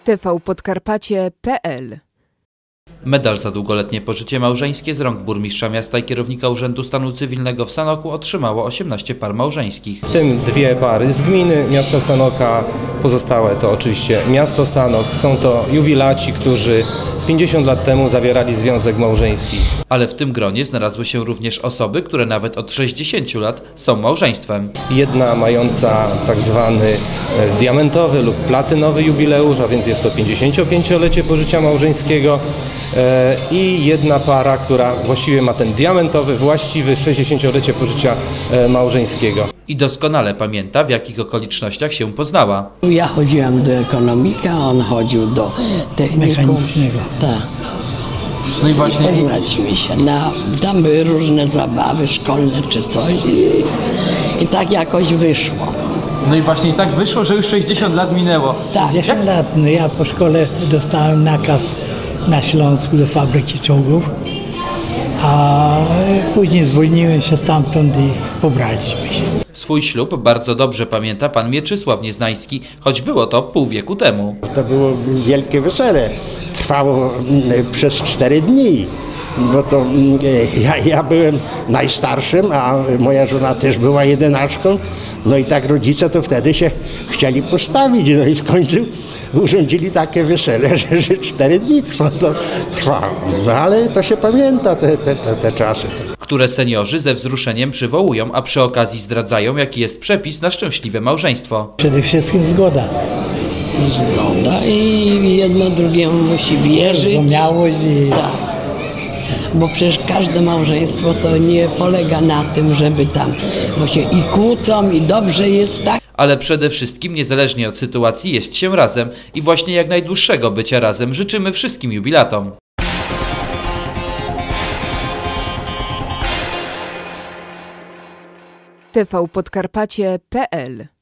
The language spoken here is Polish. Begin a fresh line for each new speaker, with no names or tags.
tvpodkarpacie.pl.
Medal za długoletnie pożycie małżeńskie z rąk burmistrza miasta i kierownika Urzędu Stanu Cywilnego w Sanoku otrzymało 18 par małżeńskich.
W tym 2 pary z gminy miasta Sanoka, pozostałe to oczywiście miasto Sanok. Są to jubilaci, którzy 50 lat temu zawierali związek małżeński.
Ale w tym gronie znalazły się również osoby, które nawet od 60 lat są małżeństwem.
Jedna mająca tak zwany diamentowy lub platynowy jubileusz, a więc jest to 55-lecie pożycia małżeńskiego, i jedna para, która właściwie ma ten diamentowy, właściwy 60-lecie pożycia małżeńskiego.
I doskonale pamięta, w jakich okolicznościach się poznała.
Ja chodziłam do ekonomika, a on chodził do technikum
mechanicznego.
Tak.
No i właśnie.
Poznaliśmy się. Tam były różne zabawy szkolne czy coś i tak jakoś wyszło.
No i właśnie tak wyszło, że już 60 lat minęło.
Tak.
10 lat, no ja po szkole dostałem nakaz na Śląsku do fabryki czołgów, a później zwolniłem się stamtąd i pobraliśmy się.
Swój ślub bardzo dobrze pamięta pan Mieczysław Nieznański, choć było to pół wieku temu.
To było wielkie wesele. Trwało przez 4 dni, bo to ja byłem najstarszym, a moja żona też była jedynaczką. No i tak rodzice to wtedy się chcieli postawić, no i w końcu urządzili takie wesele, że 4 dni trwało. No ale to się pamięta, te czasy.
Które seniorzy ze wzruszeniem przywołują, a przy okazji zdradzają, jaki jest przepis na szczęśliwe małżeństwo.
Przede wszystkim zgoda.
Zgoda i jedno drugiemu musi wierzyć.
Zrozumiałość i...
Tak. Bo przecież każde małżeństwo to nie polega na tym, żeby tam, bo się i kłócą i dobrze jest, tak?
Ale przede wszystkim, niezależnie od sytuacji, jest się razem i właśnie jak najdłuższego bycia razem życzymy wszystkim jubilatom.
tvpodkarpacie.pl